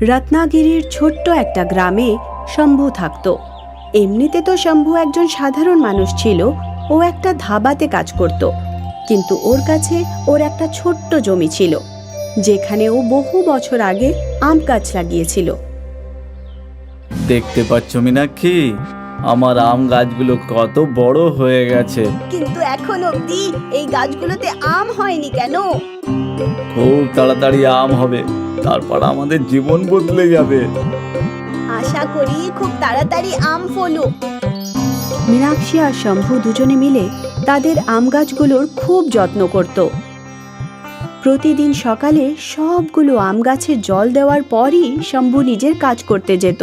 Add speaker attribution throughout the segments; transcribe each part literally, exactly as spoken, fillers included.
Speaker 1: রত্নাগিরির ছোট্ট একটা গ্রামে শম্ভু থাকত। এমনিতে তো শম্ভু একজন সাধারণ মানুষ ছিল। ও একটা ধাবাতে কাজ করত, কিন্তু ওর কাছে ওর একটা ছোট্ট জমি ছিল, যেখানে ও বহু বছর আগে আম গাছ লাগিয়েছিল।
Speaker 2: দেখতে পাচ্ছ মীনাক্ষী, আমার আম গাছগুলো কত বড় হয়ে গেছে।
Speaker 1: কিন্তু এখন অবধি এই গাছগুলোতে আম হয়নি কেন?
Speaker 2: খুব তাড়াতাড়ি আম হবে, তারপর আমাদের জীবন বদলে যাবে।
Speaker 1: আশা করি খুব তাড়াতাড়ি আম ফলো। মীনাক্ষী আর শম্ভু দুজনে মিলে তাদের আম গাছগুলোর খুব যত্ন করত। প্রতিদিন সকালে সবগুলো আম গাছে জল দেওয়ার পরই শম্ভু নিজের কাজ করতে যেত।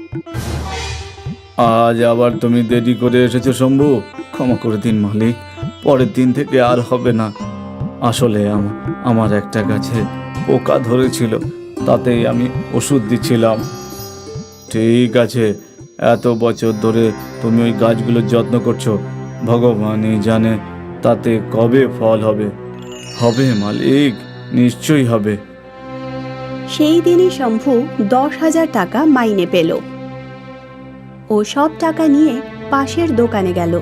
Speaker 2: আজ আবার তুমি দেরি করে এসেছো শম্ভু, ক্ষমা করে দিন মালিক, পরের দিন থেকে আর হবে না। আসলে আমার একটা গাছে পোকা ধরেছিল, তাতেই আমি ওষুধ দিচ্ছিলাম। ঠিক আছে, এত বছর ধরে তুমি ওই গাছগুলোর যত্ন করছো, ভগবানই জানে তাতে কবে ফল হবে। হবে মালিক, নিশ্চয়ই হবে।
Speaker 1: সেই দিনই শম্ভু দশ হাজার টাকা মাইনে পেল। ও সব টাকা নিয়ে পাশের দোকানে গেল।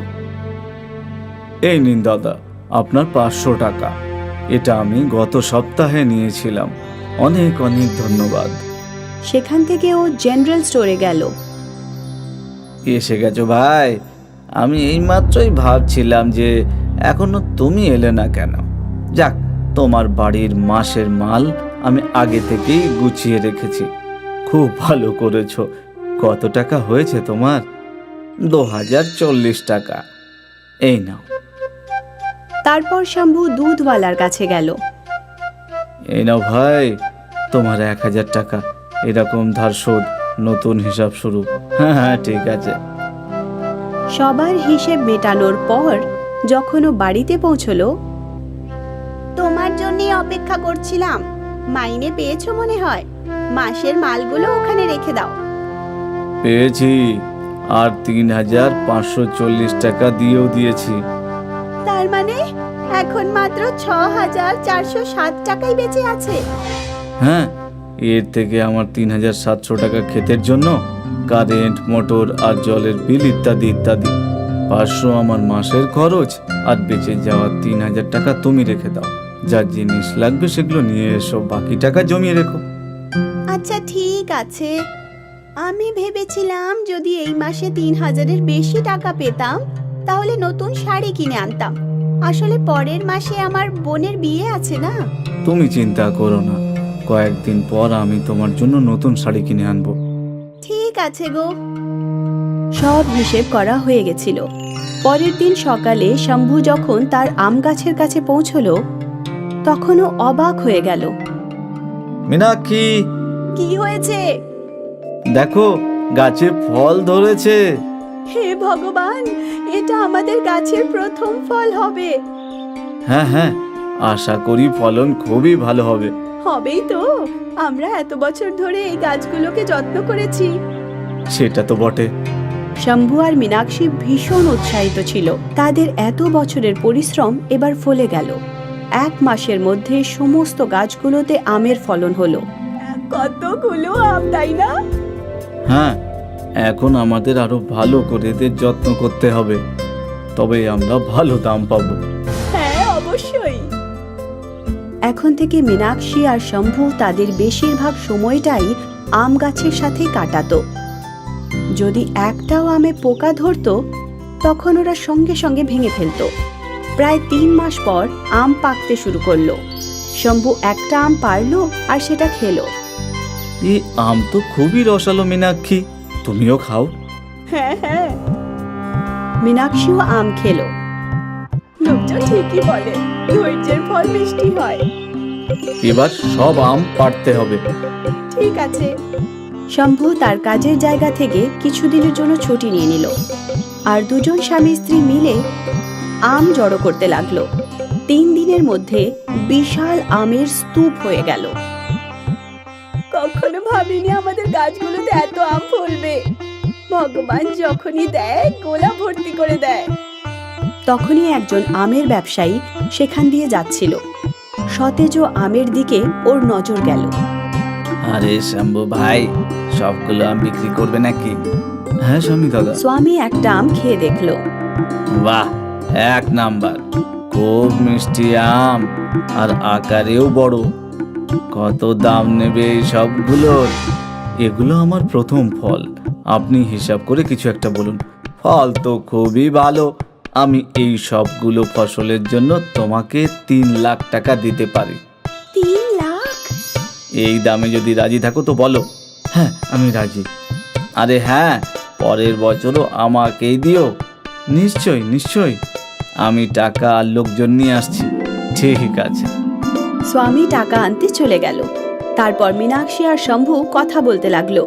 Speaker 2: এই নিন দাদা, আপনার পাঁচশো টাকা। এটা আমি গত সপ্তাহে নিয়েছিলাম। অনেক অনেক ধন্যবাদ।
Speaker 1: সেখান থেকে ও জেনারেল স্টোরে গেল।
Speaker 2: এসে গেছো ভাই? আমি এইমাত্রই ভাবছিলাম যে এখনো তুমি এলে না কেন। যাক, তোমার বাড়ির মাসের মাল আমি আগে থেকেই গুছিয়ে রেখেছি। খুব ভালো করেছো। কত টাকা হয়েছে তোমার? দু হাজার চল্লিশ টাকা। এই নাও।
Speaker 1: তারপর শম্ভু দুধওয়ালার কাছে গেল।
Speaker 2: এই নাও ভাই, তোমার এক হাজার টাকা। এরকম ধার শোধ, নতুন হিসাব শুরু। হ্যাঁ হ্যাঁ, ঠিক আছে।
Speaker 1: সবার হিসেব মেটানোর পর যখন ও বাড়িতে পৌঁছলো, তোমার জন্যই অপেক্ষা করছিলাম। মাইনে পেয়েছো মনে হয়। মাসের মালগুলো ওখানে রেখে দাও।
Speaker 2: পেয়েছি, আর তিন হাজার পাঁচশো চল্লিশ টাকা দিয়েও দিয়েছি।
Speaker 1: তার মানে এখন মাত্র ছ হাজার চারশো সাত টাকাই বেঁচে আছে।
Speaker 2: হ্যাঁ, এর থেকে আমার তিন হাজার সাতশো টাকা ক্ষেতের জন্য, কারেন্ট, মোটর আর জলের বিল ইত্যাদি ইত্যাদি। পাঁচশো আমার মাসের খরচ, আর বেঁচে যাওয়া তিন হাজার টাকা তুমি রেখে দাও। যা জিনিস লাগবে সেগুলো নিয়ে এসো, বাকি টাকা জমিয়ে রেখো।
Speaker 1: আচ্ছা ঠিক আছে। আমি ভেবেছিলাম যদি এই মাসে তিন হাজারের বেশি টাকা পেতাম তাহলে নতুন শাড়ি কিনে আনতাম। আসলে পরের মাসে আমার বোনের বিয়ে আছে না।
Speaker 2: তুমি চিন্তা করো না, কয়েকদিন পর আমি তোমার জন্য নতুন শাড়ি কিনে আনবো।
Speaker 1: ঠিক আছে গো। সব হিসেব করা হয়ে গেছিল। পরের দিন সকালে শম্ভু যখন তার আম গাছের কাছে পৌঁছলো, তখনও অবাক হয়ে গেল।
Speaker 2: মীনাক্ষী,
Speaker 1: কি হয়েছে?
Speaker 2: দেখো, গাছে ফল ধরেছে।
Speaker 1: হে ভগবান, এটা আমাদের গাছের প্রথম ফল হবে।
Speaker 2: হ্যাঁ হ্যাঁ, আশা করি ফলন খুবই ভালো হবে।
Speaker 1: হবেই তো, আমরা এত বছর ধরে এই গাছগুলোকে যত্ন করেছি।
Speaker 2: সেটা তো বটে।
Speaker 1: শম্ভু আর মীনাক্ষী ভীষণ উৎসাহিত ছিল। তাদের এত বছরের পরিশ্রম এবার ফলে গেল। এক মাসের মধ্যে সমস্ত গাছগুলোতে আমের ফলন হলো। কতগুলো আম, তাই না?
Speaker 2: হ্যাঁ, এখন আমাদের আরো ভালো করে এদের যত্ন করতে হবে, তবে আমরা ভালো দাম পাবো।
Speaker 1: হ্যাঁ, অবশ্যই। এখন থেকে মীনাক্ষী আর শম্ভু তাদের বেশিরভাগ সময়টাই আম গাছের সাথে কাটাতো। যদি একটাও আমে পোকা ধরতো তখন ওরা সঙ্গে সঙ্গে ভেঙে ফেলতো। প্রায় তিন মাস পর আম পাকতে শুরু করলো। শম্ভু একটা আম পারলো আর সেটা খেলো।
Speaker 2: এই আম তো খুবই রসালো মীনাক্ষী, তুমিও খাও।
Speaker 1: হ্যাঁ হ্যাঁ। মীনাক্ষীও আম খেলো। লোকজন ঠিকই বলে, ধৈর্যের ফল মিষ্টি হয়।
Speaker 2: এবার সব আম পাড়তে হবে।
Speaker 1: ঠিক আছে। শম্ভু তার কাজের জায়গা থেকে কিছুদিনের জন্য ছুটি নিয়ে নিল, আর দুজন স্বামী স্ত্রী মিলে আম জড়ো করতে লাগলো। তিন দিনের মধ্যে বিশাল আমের স্তূপ হয়ে গেল। কখনো ভাবিনি আমাদের গাছগুলোতে এত আম ফলবে। ভগবান যখনই দেয় গোলা ভর্তি করে দেয়। তখনই একজন আমের ব্যবসায়ী সেখান দিয়ে যাচ্ছিল। সতেজ আমের দিকে ওর নজর গেল।
Speaker 2: আরে শম্ভু ভাই, সবগুলো আম বিক্রি করবে নাকি? হ্যাঁ স্বামী দাদা।
Speaker 1: স্বামী একটা আম খেয়ে দেখলো।
Speaker 2: বাহ, এক নাম্বার, খুব মিষ্টি আম আর আকারেও বড়। কত দাম নেবে এই সবগুলোর? এগুলো আমার প্রথম ফল, আপনি হিসাব করে কিছু একটা বলুন। ফল তো খুবই ভালো, আমি এই সবগুলো ফসলের জন্য তোমাকে তিন লাখ টাকা দিতে পারি।
Speaker 1: তিন লাখ?
Speaker 2: এই দামে যদি রাজি থাকো তো বলো। হ্যাঁ আমি রাজি। আরে হ্যাঁ, পরের বছরও আমাকেই দিও। নিশ্চয় নিশ্চয়, আমি টাকা আর লোকজন নিয়ে আসছি। ঠিক আছে।
Speaker 1: স্বামী টাকা আনতে চলে গেল। তারপর মীনাক্ষী আর শম্ভু কথা বলতে লাগলো।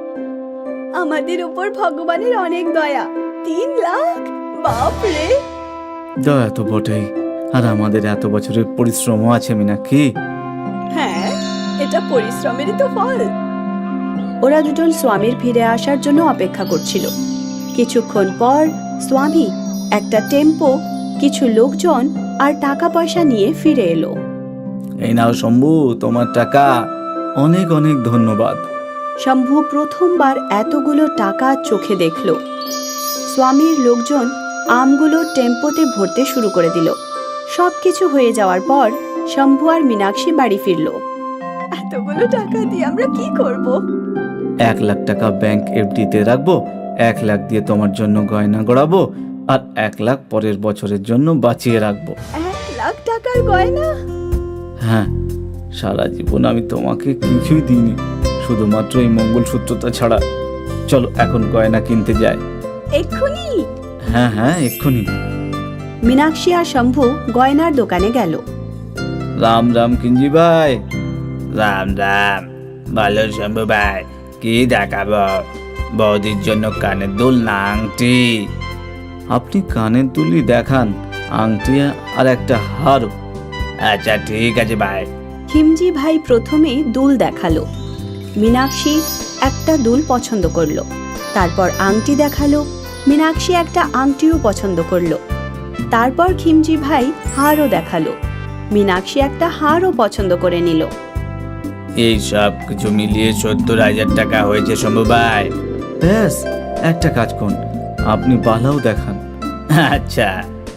Speaker 1: আমাদের উপর ভগবানের অনেক দয়া। তিন লাখ, বাপরে!
Speaker 2: দয়া তো বটেই, আর আমাদের এত বছরের পরিশ্রমও আছে মীনাক্ষী।
Speaker 1: হ্যাঁ, এটা পরিশ্রমেরই তো ফল। ওরা দুজন স্বামীর ফিরে আসার জন্য অপেক্ষা করছিল। কিছুক্ষণ পর স্বামী একটা টেম্পো, কিছু লোকজন আর টাকা পয়সা নিয়ে ফিরে এলো।
Speaker 2: এই নাও শম্ভু, তোমার টাকা। অনেক অনেক ধন্যবাদ।
Speaker 1: শম্ভু প্রথমবার এতগুলো টাকা চোখে দেখল। স্বামীর লোকজন আমগুলো টেম্পোতে ভরতে শুরু করে দিল। সবকিছু হয়ে যাওয়ার পর শম্ভু আর মীনাক্ষী বাড়ি ফিরল। এতগুলো টাকা দিয়ে আমরা কি করব?
Speaker 2: এক লাখ টাকা ব্যাংক এফডিতে রাখবো, এক লাখ দিয়ে তোমার জন্য গয়না গড়াবো, আর এক লাখ পরের বছরের জন্য বাঁচিয়ে রাখবো।
Speaker 1: এক লাখ টাকার গয়না?
Speaker 2: হ্যাঁ, সারা জীবন আমি তোমাকে কিছুই দিইনি, শুধুমাত্র এই মঙ্গলসূত্রটা ছাড়া। চলো এখন গয়না কিনতে যাই।
Speaker 1: এক্ষুনি?
Speaker 2: হ্যাঁ হ্যাঁ এক্ষুনি।
Speaker 1: মীনাক্ষী আর শম্ভু গয়নার দোকানে গেল।
Speaker 2: রাম রাম কিঞ্জি ভাই। রাম রাম। ভালো শম্ভু ভাই, কি দেখাবো? বৌদির জন্য কানের দুল না আংটি? আপনি কানের দুলই দেখান, আংটি আর একটা হারও। আচ্ছা ঠিক আছে ভাই।
Speaker 1: খিমজি ভাই প্রথমে দুল দেখালো। মীনাক্ষী একটা দুল পছন্দ করলো। তারপর আংটি দেখালো। মীনাক্ষী একটা আংটিও পছন্দ করলো। তারপর খিমজি ভাই হারও দেখালো। মীনাক্ষী একটা হারও পছন্দ করে নিল।
Speaker 2: এই সব কিছু মিলিয়ে সত্তর হাজার টাকা হয়েছে শম্ভু ভাই। ব্যাস, একটা কাজ করুন, আপনি বালাও দেখান। আচ্ছা।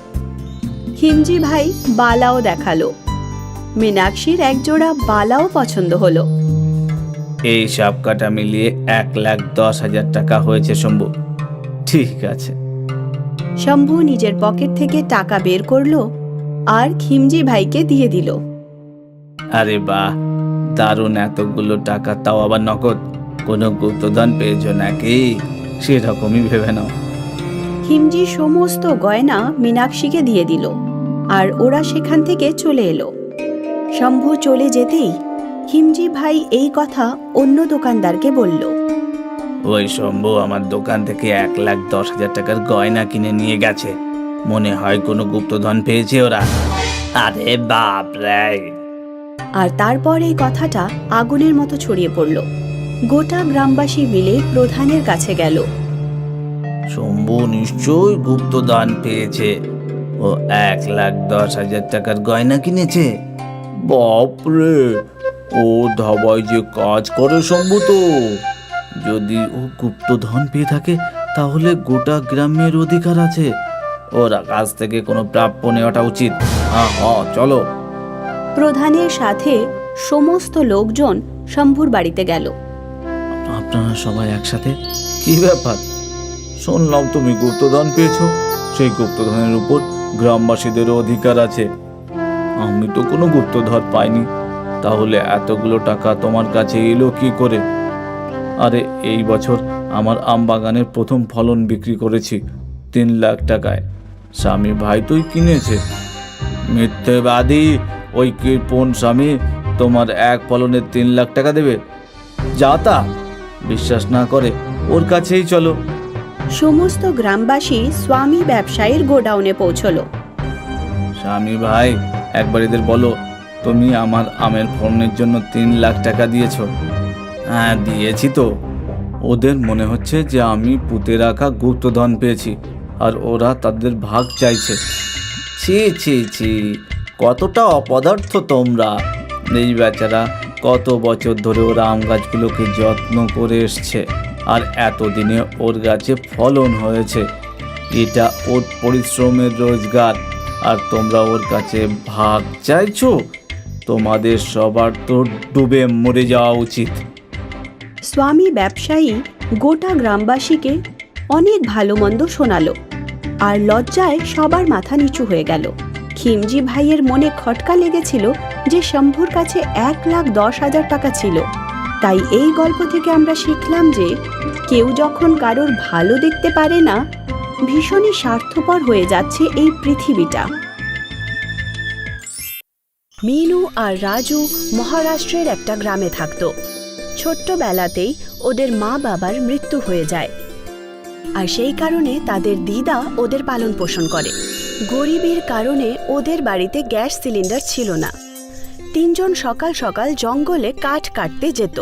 Speaker 1: খিমজি ভাই বালাও দেখালো। মীনাক্ষীর একজোড়া বালাও পছন্দ হলো।
Speaker 2: এই সব কাটা মিলিয়ে এক লাখ দশ হাজার টাকা হয়েছে শম্ভু। ঠিক আছে।
Speaker 1: শম্ভু নিজের পকেট থেকে টাকা বের করলো আর খিমজি ভাইকে দিয়ে দিল।
Speaker 2: আরে বাহ, দারুণ, এতগুলো টাকা, তাও আবার নগদ। কোনো গুপ্তধন পেয়েছো নাকি? সেরকমই ভেবে নাও।
Speaker 1: খিমজি সমস্ত গয়না মীনাক্ষীকে দিয়ে দিল আর ওরা সেখান থেকে চলে এলো। শম্ভু চলে যেতেই খিমজি ভাই এই কথা অন্য দোকানদারকে বলল।
Speaker 2: ওই শম্ভু আমার দোকান থেকে এক লাখ দশ হাজার টাকার গয়না কিনে নিয়ে গেছে। মনে হয় কোনো গুপ্তধন পেয়েছে ওরা। আরে বাপ রে!
Speaker 1: আর তারপর এই কথাটা আগুনের মতো ছড়িয়ে পড়ল। গোটা গ্রামবাসী মিলে প্রধানের কাছে গেল।
Speaker 2: শম্ভু নিশ্চয়ই গুপ্তধন পেয়েছে, ও এক লাখ দশ হাজার টাকার গয়না কিনেছে। বাপরে, ও ধাবায় যে কাজ করে শম্ভু, তো যদি ও গুপ্তধন পেয়ে থাকে তাহলে গোটা গ্রামের অধিকার আছে। ওর কাছ থেকে কোনো প্রাপ্য নেওয়াটা উচিত। হ্যাঁ হ্যাঁ চলো।
Speaker 1: প্রধানের সাথে সমস্ত লোকজন শম্ভুর বাড়িতে গেল।
Speaker 2: আপনারা সবাই একসাথে? কি ব্যাপার? শুনলাম তুমি গুপ্তধন পেয়েছো। সেই গুপ্তধনের উপর গ্রামবাসীদেরও অধিকার আছে। আমি তো কোনো গুপ্তধন পাইনি, তাহলে এতগুলো টাকা তোমার কাছে এলো কি করে? আরে এই বছর আমার আম বাগানের প্রথম ফলন বিক্রি করেছি তিন লাখ টাকায়। স্বামী ভাই তুই কিনেছে। মিথ্যেবাদী! ওই কৃপণ স্বামী তোমার এক ফলনের তিন লাখ টাকা দেবে? যা তা! বিশ্বাস না করে ওর কাছেই চলো।
Speaker 1: সমস্ত গ্রামবাসী স্বামী ব্যবসায়ীর গোডাউনে পৌঁছলো।
Speaker 2: স্বামী ভাই, একবার এদের বলো তুমি আমার আমের ফলনের জন্য তিন লাখ টাকা দিয়েছো। হ্যাঁ দিয়েছি তো। ওদের মনে হচ্ছে যে আমি পুঁতে রাখা গুপ্তধন পেয়েছি আর ওরা তাদের ভাগ চাইছে। ছি ছি ছি, কতটা অপদার্থ তোমরা! এই বেচারা কত বছর ধরে ওর আম গাছগুলোকে যত্ন করে এসছে, আর এতদিনে ওর গাছে ফলন হয়েছে। এটা ওর পরিশ্রমের রোজগার, আর তোমরা ওর কাছে ভাগ চাইছো? তোমাদের সবার তো ডুবে মরে যাওয়া উচিত।
Speaker 1: স্বামী ব্যবসায়ী গোটা গ্রামবাসীকে অনেক ভালো মন্দ শোনালো, আর লজ্জায় সবার মাথা নিচু হয়ে গেল। খিমজি ভাইয়ের মনে খটকা লেগেছিল যে শম্ভুর কাছে এক লাখ দশ হাজার টাকা ছিল। তাই এই গল্প থেকে আমরা শিখলাম যে কেউ যখন কারোর ভালো দেখতে পারে না, ভীষণই স্বার্থপর হয়ে যাচ্ছে এই পৃথিবীটা। মিনু আর রাজু মহারাষ্ট্রের একটা গ্রামে থাকতো। ছোট্টবেলাতেই ওদের মা বাবার মৃত্যু হয়ে যায়, আর সেই কারণে তাদের দিদা ওদের পালন পোষণ করে। গরিবের কারণে ওদের বাড়িতে গ্যাস সিলিন্ডার ছিল না। তিনজন সকাল সকাল জঙ্গলে কাঠ কাটতে যেত।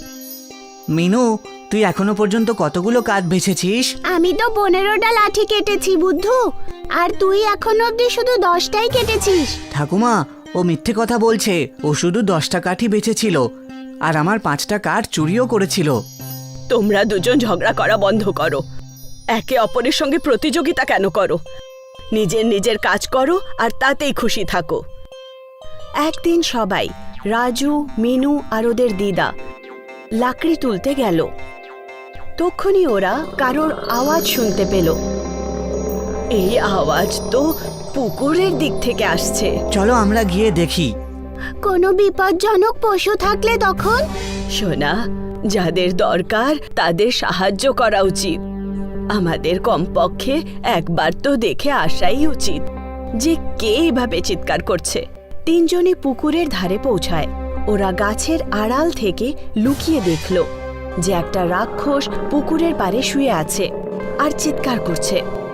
Speaker 3: মিনু, তুই এখনো পর্যন্ত কতগুলো কাঠ বেছেছিস?
Speaker 4: আমি তো পনেরোটা লাঠি কেটেছি বুদ্ধু, আর তুই এখনো অব্দি শুধু দশটাই কেটেছিস।
Speaker 3: ঠাকুমা, ও মিথ্যে কথা বলছে। ও শুধু দশটা কাঠই বেছেছিল, আর আমার পাঁচটা কাঠ চুরিও করেছিল।
Speaker 1: তোমরা দুজন ঝগড়া করা বন্ধ করো। একে অপরের সঙ্গে প্রতিযোগিতা কেন করো? নিজের নিজের কাজ করো আর তাতেই খুশি থাকো। একদিন সবাই, রাজু, মিনু আর ওদের দিদা, লাকড়ি তুলতে গেল। তখনই ওরা কারোর আওয়াজ শুনতে পেল। এই আওয়াজ তো পুকুরের দিক থেকে আসছে।
Speaker 3: চলো আমরা গিয়ে দেখি।
Speaker 4: কোনো বিপজ্জনক পশু থাকলে তখন?
Speaker 1: সোনা, যাদের দরকার তাদের সাহায্য করা উচিত। আমাদের কমপক্ষে একবার তো দেখে আসাই উচিত যে কে এভাবে চিৎকার করছে। তিনজনই পুকুরের ধারে পৌঁছায়। ওরা গাছের আড়াল থেকে লুকিয়ে দেখল যে একটা রাক্ষস পুকুরের পাড়ে শুয়ে আছে আর চিৎকার করছে।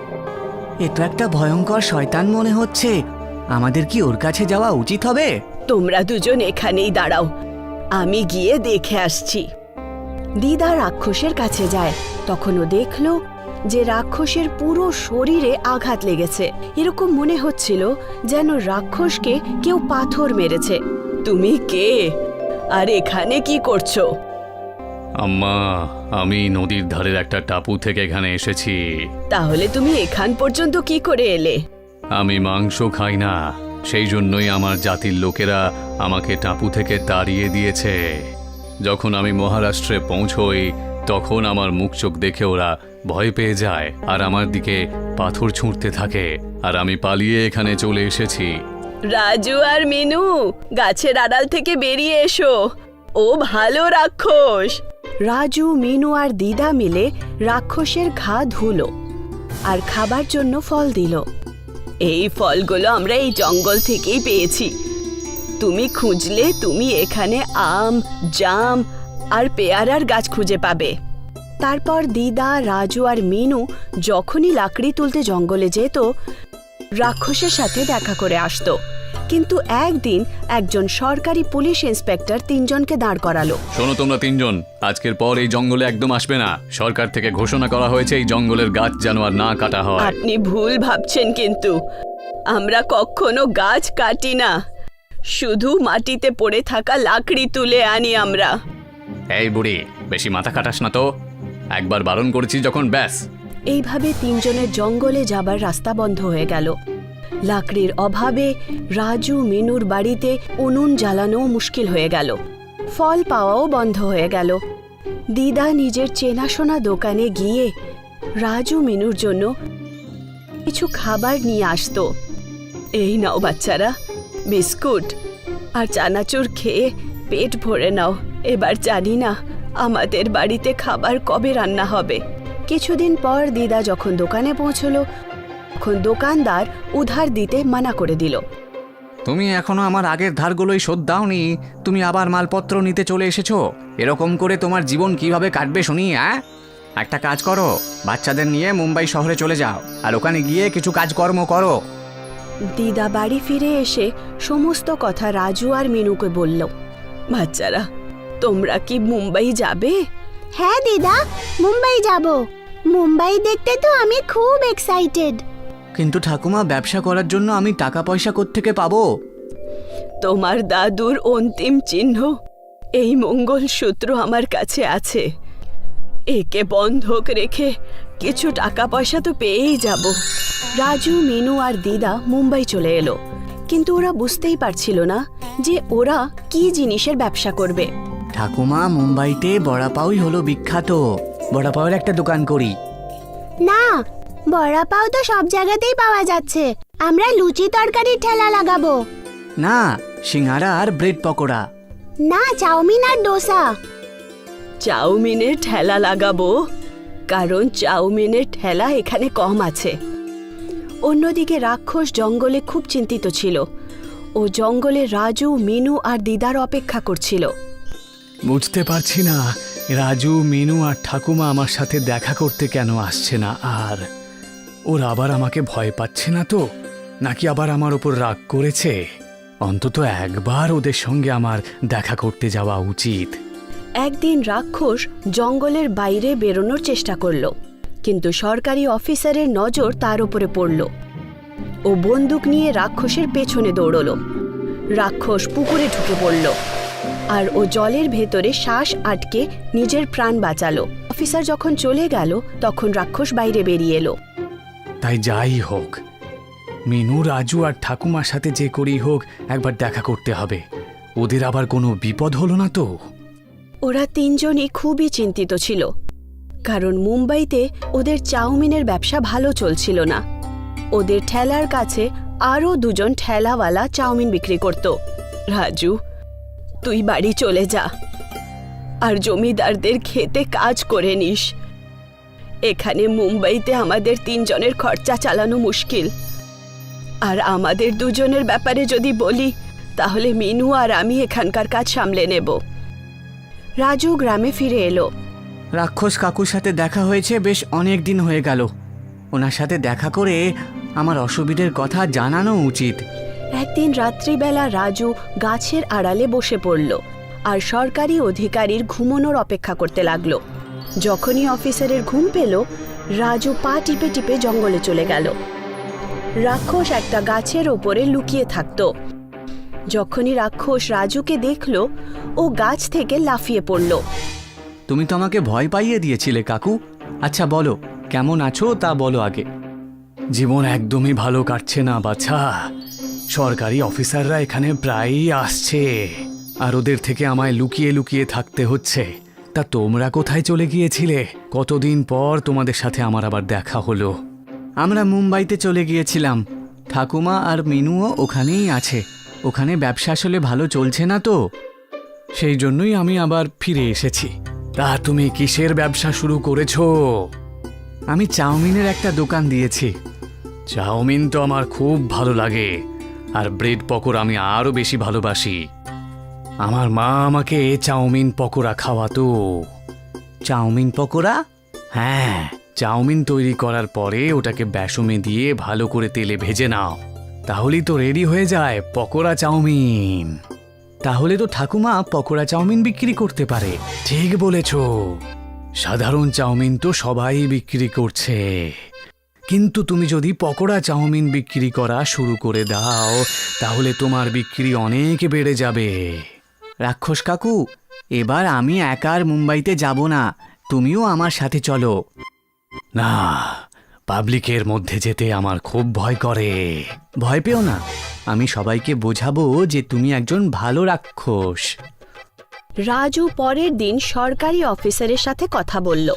Speaker 3: এ তো একটা ভয়ঙ্কর শয়তান মনে হচ্ছে। আমাদের কি ওর কাছে যাওয়া উচিত হবে?
Speaker 1: তোমরা দুজন এখানেই দাঁড়াও, আমি গিয়ে দেখে আসছি। দিদা রাক্ষসের কাছে যায়। তখন ও দেখল যে রাক্ষসের পুরো শরীরে আঘাত লেগেছে। এরকম মনে হচ্ছিল যেন রাক্ষসকে কেউ পাথর মেরেছে। তুমি কে আর এখানে কি করছো?
Speaker 5: আম্মা, আমি নদীর ধারের একটা টাপু থেকে এখানে এসেছি।
Speaker 1: তাহলে তুমি এখান পর্যন্ত কি করে এলে?
Speaker 5: আমি মাংস খাই না, সেই জন্যই আমার জাতির লোকেরা আমাকে টাপু থেকে তাড়িয়ে দিয়েছে। যখন আমি মহারাষ্ট্রে পৌঁছই তখন আমার মুখ চোখ দেখে ওরা ভয় পেয়ে যায় আর আমার দিকে পাথর ছুঁড়তে থাকে, আর আমি পালিয়ে এখানে চলে এসেছি।
Speaker 1: রাজু আর মিনু, গাছের আড়াল থেকে বেরিয়ে এসো, ও ভালো রাক্ষস। রাজু, মিনু আর দিদা মিলে রাক্ষসের ঘা ধুলো আর খাবার জন্য ফল দিল। এই ফলগুলো আমরা এই জঙ্গল থেকেই পেয়েছি। তুমি খুঁজলে তুমি এখানে আম, জাম আর পেয়ারার গাছ খুঁজে পাবে। তারপর দিদা, রাজু আর মিনু যখনই লাকড়ি তুলতে জঙ্গলে যেত, রাক্ষসের সাথে দেখা করে আসতো। কিন্তু একদিন একজন সরকারি পুলিশ ইন্সপেক্টর তিনজনকে দাঁড় করালো।
Speaker 5: শোনো তোমরা তিনজন, আজকের পর এই জঙ্গলে একদম আসবে না। সরকার থেকে ঘোষণা করা হয়েছে এই জঙ্গলের গাছ যেন আর না কাটা হয়।
Speaker 1: আপনি ভুল ভাবছেন, কিন্তু আমরা কখনো গাছ কাটি না, শুধু মাটিতে পড়ে থাকা লাকড়ি তুলে আনি আমরা।
Speaker 5: এই বুড়ি, বেশি মাথা কাটাস না তো। একবার বারণ করেছি যখন, ব্যাস।
Speaker 1: এইভাবে তিনজনের জঙ্গলে যাবার রাস্তা বন্ধ হয়ে গেল। লাকড়ির অভাবে রাজু, মিনুর বাড়িতে উনুন জ্বালানো মুশকিল হয়ে গেল। ফল পাওয়াও বন্ধ হয়ে গেল। দিদা নিজের চেনাশোনা দোকানে গিয়ে রাজু, মিনুর জন্য কিছু খাবার নিয়ে আসতো। এই নাও বাচ্চারা, বিস্কুট আর চানাচুর খেয়ে পেট ভরে নাও। এবার জানি না আমাদের বাড়িতে খাবার কবে রান্না হবে। কিছুদিন পর দিদা যখন দোকানে পৌঁছলো, তখন দোকানদার উধার দিতে মানা করে দিল।
Speaker 3: তুমি এখনো আমার আগের ধারগুলোই শোধ দাওনি, তুমি আবার মালপত্র নিতে চলে এসেছো। এরকম করে তোমার জীবন কিভাবে কাটবে শুনি? হ্যাঁ, একটা কাজ করো, বাচ্চাদের নিয়ে মুম্বাই শহরে চলে যাও আর ওখানে গিয়ে কিছু কাজকর্ম করো।
Speaker 1: দিদা বাড়ি ফিরে এসে সমস্ত কথা রাজু আর মিনুকে বলল। বাচ্চারা, তোমরা কি মুম্বাই যাবে?
Speaker 4: হ্যাঁ দিদা, মুম্বাই যাব। মুম্বাই দেখতে তো আমি খুব এক্সাইটেড।
Speaker 3: কিন্তু ঠাকুমা, ব্যবসা করার জন্য আমি টাকা পয়সা কোত্থেকে পাবো?
Speaker 1: তোমার দাদুর অন্তিম চিহ্ন এই মঙ্গলসূত্র আমার কাছে আছে, একে বন্ধক রেখে কিছু টাকা পয়সা তো পেয়েই যাব। রাজু, মিনু আর দিদা মুম্বাই চলে এলো, কিন্তু ওরা বুঝতেই পারছিল না যে ওরা কি জিনিসের ব্যবসা করবে।
Speaker 3: ঠাকুমা, মুম্বাইতে বড়া পাউই হলো বিখ্যাত, বড়া পাউয়ের একটা দোকান করি।
Speaker 4: না, বড়া পাও তো সব জায়গাতেই পাওয়া যাচ্ছে। আমরা লুচি তরকারির ঠেলা লাগাবো।
Speaker 3: না, সিঙ্গারা আর ব্রেড পকোড়া।
Speaker 4: না, চাউমিন আর ডোসা।
Speaker 1: চাউমিনের ঠেলা লাগাবো, কারণ চাউমিনের ঠেলা এখানে কম আছে। অন্যদিকে রাক্ষস জঙ্গলে খুব চিন্তিত ছিল। ও জঙ্গলে রাজু, মিনু আর দিদার অপেক্ষা করছিল।
Speaker 5: বুঝতে পারছি না রাজু, মিনু আর ঠাকুমা আমার সাথে দেখা করতে কেন আসছে না। আর ওরা আবার আমাকে ভয় পাচ্ছে না তো, নাকি আবার আমার ওপর রাগ করেছে? অন্তত একবার ওদের সঙ্গে আমার দেখা করতে যাওয়া উচিত।
Speaker 1: একদিন রাক্ষস জঙ্গলের বাইরে বেরোনোর চেষ্টা করল, কিন্তু সরকারি অফিসারের নজর তার উপরে পড়ল। ও বন্দুক নিয়ে রাক্ষসের পেছনে দৌড়ল। রাক্ষস পুকুরে ঢুকে পড়ল, আর ও জলের ভেতরে শ্বাস আটকে নিজের প্রাণ বাঁচালো। অফিসার যখন চলে গেল, তখন রাক্ষস বাইরে বেরিয়ে এলো।
Speaker 5: তাই যাই হোক, মিনু, রাজু আর ঠাকুমার সাথে যে করেই হোক একবার দেখা করতে হবে। ওদের আবার কোনো বিপদ হলো না তো?
Speaker 1: ওরা তিনজনই খুবই চিন্তিত ছিল, কারণ মুম্বাইতে ওদের চাউমিনের ব্যবসা ভালো চলছিল না। ওদের ঠেলার কাছে আরও দুজন ঠেলাওয়ালা চাউমিন বিক্রি করত। রাজু, তুই বাড়ি চলে যা আর জমিদারদের খেতে কাজ করে নিস। এখানে মুম্বাইতে আমাদের তিনজনের খরচা চালানো মুশকিল। আর আমাদের দুজনের ব্যাপারে যদি বলি, তাহলে মিনু আর আমি এখানকার কাজ সামলে নেব। রাজু গ্রামে ফিরে এলো।
Speaker 3: রাক্ষস কাকুর সাথে দেখা হয়েছে বেশ অনেক দিন হয়ে গেল। ওনার সাথে দেখা করে আমার অসুবিধের কথা জানানো উচিত।
Speaker 1: একদিন রাত্রিবেলা রাজু গাছের আড়ালে বসে পড়ল আর সরকারি অধিকারীর ঘুমানোর অপেক্ষা করতে লাগলো। যখনই অফিসারের ঘুম পেল, রাজু পা টিপে টিপে জঙ্গলে চলে গেল। রাক্ষস একটা গাছের ওপরে লুকিয়ে থাকত। যখনই রাক্ষস রাজুকে দেখল, ও গাছ থেকে লাফিয়ে পড়ল।
Speaker 3: তুমি তো আমাকে ভয় পাইয়ে দিয়েছিলে কাকু। আচ্ছা বলো, কেমন আছো তা বলো আগে।
Speaker 5: জীবন একদমই ভালো কাটছে না বাছা। সরকারি অফিসাররা এখানে প্রায়ই আসছে, আর ওদের থেকে আমায় লুকিয়ে লুকিয়ে থাকতে হচ্ছে। তা তোমরা কোথায় চলে গিয়েছিলে? কতদিন পর তোমাদের সাথে আমার আবার দেখা হলো।
Speaker 3: আমরা মুম্বাইতে চলে গিয়েছিলাম। ঠাকুমা আর মিনুও ওখানেই আছে। ওখানে ব্যবসা আসলে ভালো চলছে না তো,
Speaker 5: সেই জন্যই আমি আবার ফিরে এসেছি। তা তুমি কিসের ব্যবসা শুরু করেছো?
Speaker 3: আমি চাউমিনের একটা দোকান দিয়েছি।
Speaker 5: চাউমিন তো আমার খুব ভালো লাগে, আর ব্রেড পকোড়া আমি আরও বেশি ভালোবাসি। আমার মা আমাকে চাউমিন পকোড়া খাওয়াতো।
Speaker 3: চাউমিন পকোড়া?
Speaker 5: হ্যাঁ, চাউমিন তৈরি করার পরে ওটাকে বেসমে দিয়ে ভালো করে তেলে ভেজে নাও, তাহলেই তো রেডি হয়ে যায় পকোড়া চাউমিন।
Speaker 3: তাহলে তো ঠাকুমা পকোড়া চাউমিন বিক্রি করতে পারে।
Speaker 5: ঠিক বলেছ, সাধারণ চাউমিন তো সবাই বিক্রি করছে, কিন্তু তুমি যদি পকোড়া চাউমিন বিক্রি করা শুরু করে দাও, তাহলে তোমার বিক্রি অনেক বেড়ে যাবে।
Speaker 3: রাক্ষস কাকু, এবার আমি একা আর মুম্বাইতে যাব না, তুমিও আমার সাথে চলো।
Speaker 5: না, পাবলিকের মধ্যে যেতে আমার খুব ভয় করে।
Speaker 3: ভয় পেও না, আমি সবাইকে বোঝাবো যে তুমি একজন ভালো রাক্ষস।
Speaker 1: রাজু পরের দিন সরকারি অফিসারের সাথে কথা বলল।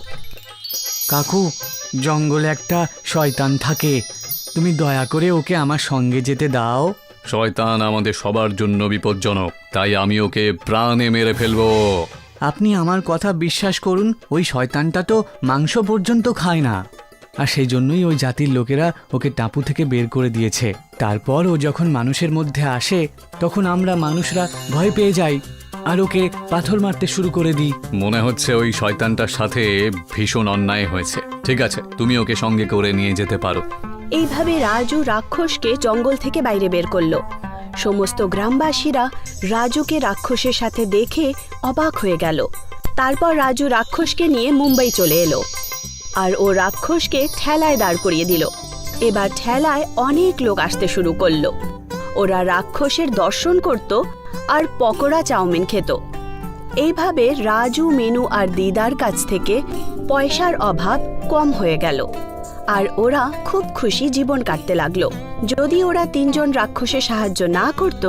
Speaker 3: কাকু, জঙ্গলে একটা শয়তান থাকে, তুমি দয়া করে ওকে আমার সঙ্গে যেতে দাও।
Speaker 5: শয়তান আমাদের সবার জন্য বিপজ্জনক, তাই আমি ওকে প্রাণে মেরে ফেলবো।
Speaker 3: আপনি আমার কথা বিশ্বাস করুন, ওই শয়তানটা তো মাংস পর্যন্ত খায় না, আর সেই জন্যই ওই জাতির লোকেরা ওকে টাপু থেকে বের করে দিয়েছে। তারপর ও যখন মানুষের মধ্যে আসে, তখন আমরা মানুষরা ভয় পেয়ে যাই আর ওকে পাথর মারতে শুরু করে দিই।
Speaker 5: মনে হচ্ছে ওই শয়তানটার সাথে ভীষণ অন্যায় হয়েছে। ঠিক আছে, তুমি ওকে সঙ্গে করে নিয়ে যেতে পারো।
Speaker 1: এইভাবে রাজু রাক্ষসকে জঙ্গল থেকে বাইরে বের করলো। সমস্ত গ্রামবাসীরা রাজুকে রাক্ষসের সাথে দেখে অবাক হয়ে গেল। তারপর রাজু রাক্ষসকে নিয়ে মুম্বাই চলে এলো, আর ও রাক্ষসকে ঠেলায় দাঁড় করিয়ে দিল। এবার ঠেলায় অনেক লোক আসতে শুরু করলো। ওরা রাক্ষসের দর্শন করত আর পকোড়া চাউমিন খেত। এইভাবে রাজু, মিনু আর দিদার কাছ থেকে পয়সার অভাব কম হয়ে গেল আর ওরা খুব খুশি জীবন কাটতে লাগলো। যদি ওরা তিনজন রাক্ষসের সাহায্য না করত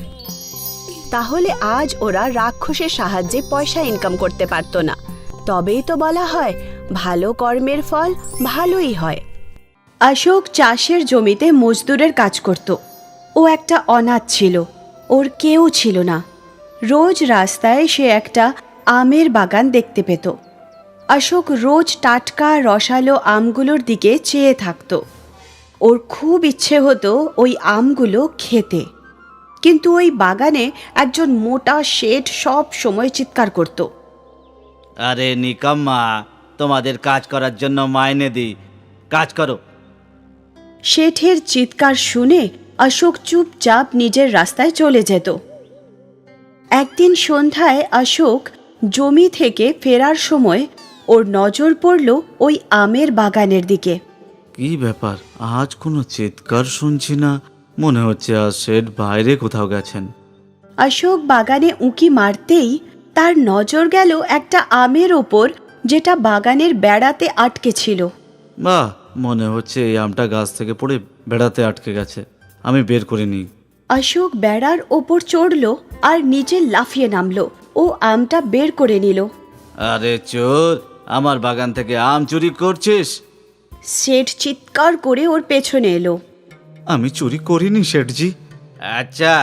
Speaker 1: তাহলে আজ ওরা রাক্ষসের সাহায্যে পয়সা ইনকাম করতে পারত না। তবেই তো বলা হয় ভালো কর্মের ফল ভালোই হয়। অশোক চাষের জমিতে মজদুরের কাজ করত। ও একটা অনাথ ছিল, ওর কেউ ছিল না। রোজ রাস্তায় সে একটা আমের বাগান দেখতে পেত। অশোক রোজ টাটকা রসালো আমগুলোর দিকে চেয়ে থাকত। ওর খুব ইচ্ছে হতো ওই আমগুলো খেতে, কিন্তু ওই বাগানে একজন মোটা শেঠ সব সময় চিৎকার করত।
Speaker 2: আরে নিকাম্মা, তোমাদের কাজ করার জন্য মাইনে দিই, কাজ করো।
Speaker 1: শেঠের চিৎকার শুনে অশোক চুপচাপ নিজের রাস্তায় চলে যেত। একদিন সন্ধ্যায় অশোক জমি থেকে ফেরার সময় ওর নজর পড়ল ওই আমের বাগানের দিকে।
Speaker 2: কি ব্যাপার, আজ কোনো চিৎকার শুনছি না, মনে হচ্ছে আজ শেঠ বাইরে কোথাও গেছেন।
Speaker 1: অশোক বাগানে উঁকি মারতেই তার নজর গেল একটা আমের ওপর, যেটা বাগানের বেড়াতে আটকে ছিল।
Speaker 2: বাহ, মনে হচ্ছে এই আমটা গাছ থেকে পড়ে বেড়াতে আটকে গেছে, আমি বের করে নিই।
Speaker 1: অশোক বেড়ার ওপর চড়ল আর নিচে লাফিয়ে নামলো। ও আমটা বের করে নিল।
Speaker 2: আরে চোর, আমার বাগান থেকে আম চুরি করছিস?
Speaker 1: শেঠ চিৎকার করে ওর পেছনে এলো।
Speaker 2: আমি চুরি করিনি শেঠজি। আচ্ছা,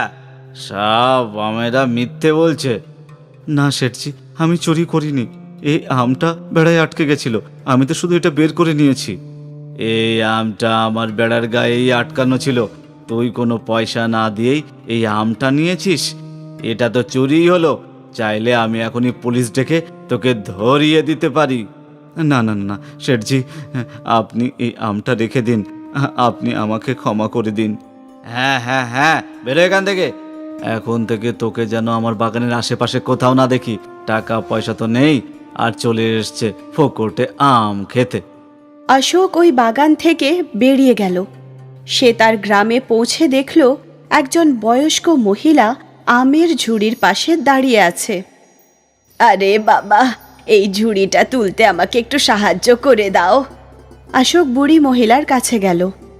Speaker 2: সব আমেরা মিথ্যে বলছে। না শেঠজি, আমি চুরি করিনি, এই আমটা বেড়ায় আটকে গেছিল, আমি তো শুধু এটা বের করে নিয়েছি। এই আমটা আমার বেড়ার গায়েই আটকানো ছিল, তুই কোনো পয়সা না দিয়েই এই আমটা নিয়েছিস, এটা তো চুরিই হলো। চাইলে আমি এখনই পুলিশ ডেকে তোকে ধরিয়ে দিতে পারি। না না না শেঠজি, আপনি এই আমটা রেখে দিন, আপনি আমাকে ক্ষমা করে দিন। হ্যাঁ হ্যাঁ হ্যাঁ, বেরো এখান থেকে। এখন থেকে তোকে যেন আমার বাগানের আশেপাশে কোথাও না দেখি। টাকা পয়সা তো নেই, আর চলে এসছে ফোকটে আম খেতে।
Speaker 1: অশোক ওই বাগান থেকে বেরিয়ে গেল। সে তার গ্রামে পৌঁছে দেখল একজন বয়স্ক মহিলা আমের ঝুড়ির পাশে দাঁড়িয়ে আছে। আরে বাবা, এই ঝুড়িটা তুলতে আমাকে একটু সাহায্য করে দাও। অশোক বুড়ি মহিলার কাছে গেল।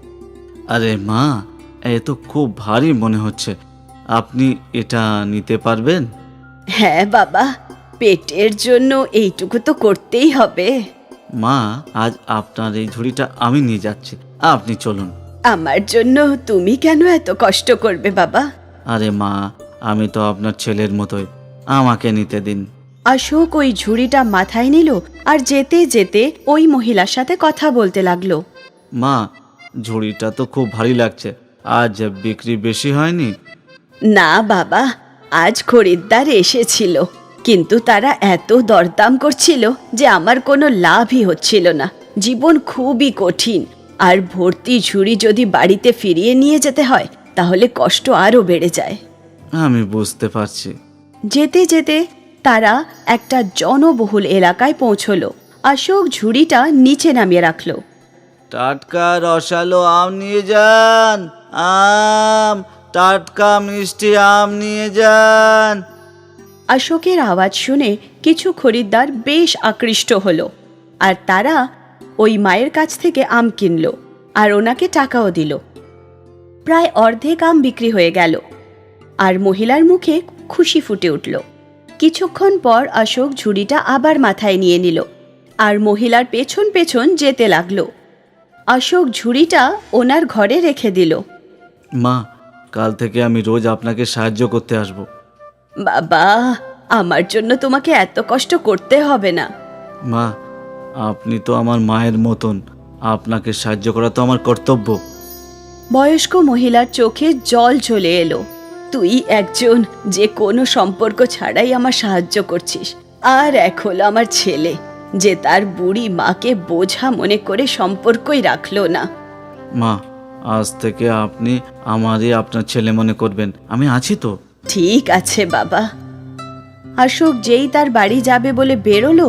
Speaker 2: আরে মা, এ তো খুব ভারী মনে হচ্ছে, আপনি এটা নিতে পারবেন?
Speaker 1: হ্যাঁ বাবা, পেটের জন্য এইটুকু তো করতেই হবে।
Speaker 2: মা, আজ আপনার এই ঝুড়িটা আমি নিয়ে যাচ্ছি, আপনি চলুন।
Speaker 1: আমার জন্য তুমি কেন এত কষ্ট করবে বাবা?
Speaker 2: আরে মা, আমি তো আপনার ছেলের মতোই, আমাকে নিতে দিন।
Speaker 1: অশোক ওই ঝুড়িটা মাথায় নিল আর যেতে যেতে ওই মহিলার সাথে কথা বলতে লাগলো।
Speaker 2: মা, ঝুড়িটা তো খুব ভারী লাগছে, আজ বিক্রি বেশি হয়নি?
Speaker 1: না বাবা, আজ খরিদ্দার এসেছিল, কিন্তু তারা এত দরদাম করছিল যে আমার কোনো লাভই হচ্ছিল না। জীবন খুবই কঠিন, আর ভর্তি ঝুড়ি যদি বাড়িতে ফিরিয়ে নিয়ে যেতে হয় তাহলে কষ্ট আরও বেড়ে যায়।
Speaker 2: আমি বুঝতে পারছি।
Speaker 1: যেতে যেতে তারা একটা জনবহুল এলাকায় পৌঁছলো। অশোক ঝুড়িটা নিচে নামিয়ে রাখলো।
Speaker 2: টাটকা রসালো আম নিয়ে যান, আম, টাটকা মিষ্টি আম নিয়ে যান।
Speaker 1: অশোকের আওয়াজ শুনে কিছু খরিদ্দার বেশ আকৃষ্ট হলো, আর তারা ওই মায়ের কাছ থেকে আম কিনল আর ওনাকে টাকাও দিল। প্রায় অর্ধেক আম বিক্রি হয়ে গেল আর মহিলার মুখে খুশি ফুটে উঠল। কিছুক্ষণ পর অশোক ঝুড়িটা আবার মাথায় নিয়ে নিল আর মহিলার পেছন পেছন যেতে লাগলো। অশোক ঝুড়িটা ওনার ঘরে রেখে দিল।
Speaker 2: মা, কাল থেকে আমি রোজ আপনাকে সাহায্য করতে আসব।
Speaker 1: বাবা, আমার জন্য তোমাকে এত কষ্ট করতে হবে না।
Speaker 2: মা, আপনি তো আমার মায়ের মতন, আপনাকে সাহায্য করা তো আমার কর্তব্য।
Speaker 1: বয়স্ক মহিলার চোখে জল চলে এলো। তুই একজন যে কোনো সম্পর্ক ছাড়াই আমার সাহায্য করছিস, আর এক হলো আমার ছেলে যে তার বুড়ি মাকে বোঝা মনে করে সম্পর্কই রাখলো না।
Speaker 2: মা, আজ থেকে আপনি আমারই আপনার ছেলে মনে করবেন, আমি আছি তো।
Speaker 1: ঠিক আছে বাবা। অশোক যেই তার বাড়ি যাবে বলে বেরোলো,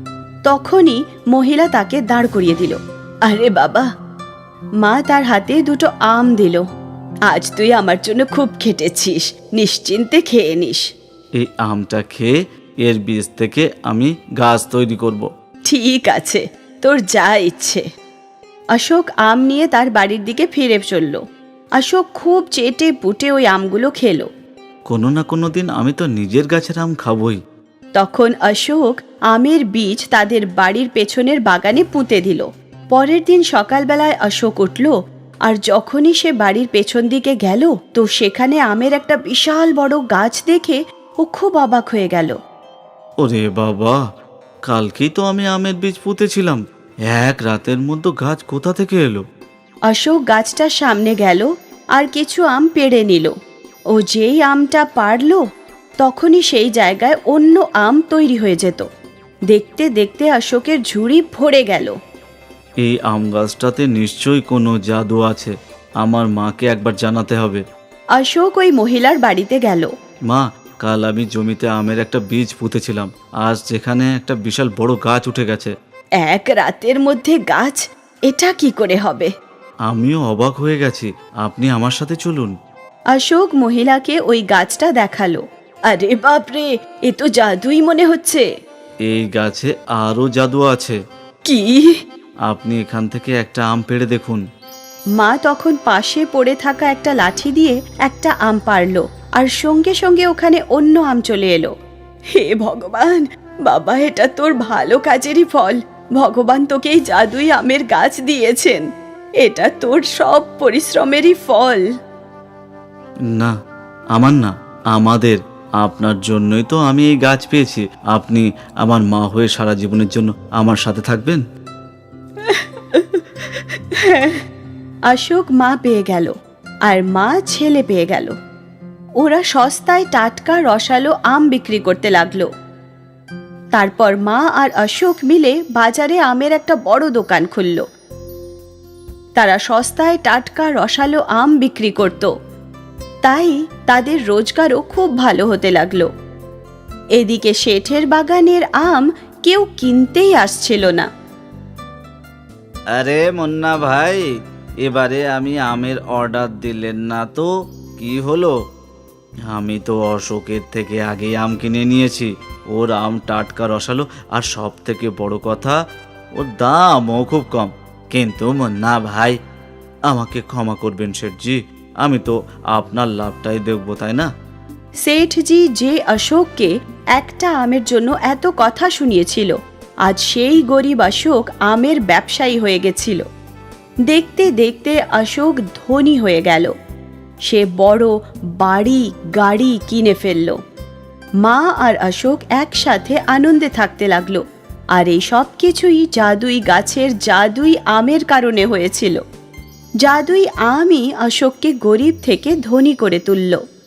Speaker 1: তখনই মহিলা তাকে দাঁড় করিয়ে দিল। আরে বাবা, মা তার হাতে দুটো আম দিল। আজ তুই আমার জন্য খুব খেটেছিস, নিশ্চিন্তে খেয়ে নিস।
Speaker 2: এই আমটা খেয়ে এর বীজ থেকে আমি গাছ তৈরি করব।
Speaker 1: ঠিক আছে, তোর যা ইচ্ছে। অশোক আম নিয়ে তার বাড়ির দিকে ফিরে চলল। অশোক খুব চেটে পুটে ওই আমগুলো খেলো।
Speaker 2: কোনো না কোনো দিন আমি তো নিজের গাছের আম খাবই।
Speaker 1: তখন অশোক আমের বীজ তাদের বাড়ির পেছনের বাগানে পুঁতে দিল। পরের দিন সকালবেলায় অশোক উঠল, আর যখনই সে বাড়ির পেছন দিকে গেল তো সেখানে আমের একটা বিশাল বড় গাছ দেখে ও খুব অবাক হয়ে গেল।
Speaker 2: ওরে বাবা, কালকেই তো আমি আমের বীজ পুঁতেছিলাম, এক রাতের মধ্যে গাছ কোথা থেকে এলো?
Speaker 1: অশোক গাছটার সামনে গেল আর কিছু আম পেড়ে নিল। ও যেই আমটা পারল তখনই সেই জায়গায় অন্য আম তৈরি হয়ে যেত। দেখতে দেখতে অশোকের ঝুড়ি ভরে গেল।
Speaker 2: এই আম গাছটাতে নিশ্চয়ই কোনো জাদু আছে, আমার মাকে একবার জানাতে হবে।
Speaker 1: অশোক ওই মহিলার বাড়িতে গেল।
Speaker 2: মা, কাল আমি জমিতে আমের একটা বীজ পুঁতেছিলাম, আজ যেখানে একটা বিশাল বড় গাছ উঠে গেছে।
Speaker 1: এক রাতের মধ্যে গাছ, এটা কি করে হবে?
Speaker 2: আমিও অবাক হয়ে গেছি, আপনি আমার সাথে চলুন।
Speaker 1: অশোক মহিলাকে ওই গাছটা দেখালো। আরে বাপরে, এ তো জাদুই মনে হচ্ছে।
Speaker 2: এই গাছে আরও জাদু আছে।
Speaker 1: কি?
Speaker 2: আপনি এখান থেকে একটা আম পেড়ে দেখুন।
Speaker 1: মা তখন পাশে পড়ে থাকা একটা লাঠি দিয়ে একটা আম পারলো, আর সঙ্গে সঙ্গে ওখানে অন্য আম চলে এলো। হে ভগবান, বাবা, এটা তোর ভালো কাজেরই ফল। ভগবান তোকে এই জাদুই আমের গাছ দিয়েছেন, এটা তোর সব পরিশ্রমেরই ফল।
Speaker 2: না, আমার না, আমাদের। আপনার জন্যই তো আমি এই গাছ পেয়েছি। আপনি আমার মা হয়ে সারা জীবনের জন্য আমার সাথে থাকবেন।
Speaker 1: অশোক মা পেয়ে গেল আর মা ছেলে পেয়ে গেল। ওরা সস্তায় টাটকা রসালো আম বিক্রি করতে লাগলো। তারপর মা আর অশোক মিলে বাজারে আমের একটা বড় দোকান খুলল। তারা সস্তায় টাটকা রসালো আম বিক্রি করত, তাই তাদের রোজগারও খুব ভালো হতে লাগলো। এদিকে শেঠের বাগানের আম কেউ কিনতেই আসছিল না।
Speaker 2: আরে মুন্না ভাই, এবারে আমি আমের অর্ডার দিলেন না তো কি হলো? আমি তো অশোকের থেকে আগে আম কিনে নিয়েছি। ওর আম টাটকা রসালো, আর সব থেকে বড় কথা ওর দামও খুব কম। কিন্তু মুন্না ভাই, আমাকে ক্ষমা করবেন শেঠজি, আমি তো আপনার লাভটাই দেখবো, তাই না?
Speaker 1: শেঠজি যে অশোককে একটা আমের জন্য এত কথা শুনিয়েছিল, আজ সেই গরিব অশোক আমের ব্যবসায়ী হয়ে গেছিল। দেখতে দেখতে অশোক ধনী হয়ে গেল। সে বড় বাড়ি গাড়ি কিনে ফেলল। মা আর অশোক একসাথে আনন্দে থাকতে লাগলো। আর এই সব কিছুই জাদুই গাছের জাদুই আমের কারণে হয়েছিল। জাদুই আমই অশোককে গরিব থেকে ধনী করে তুলল।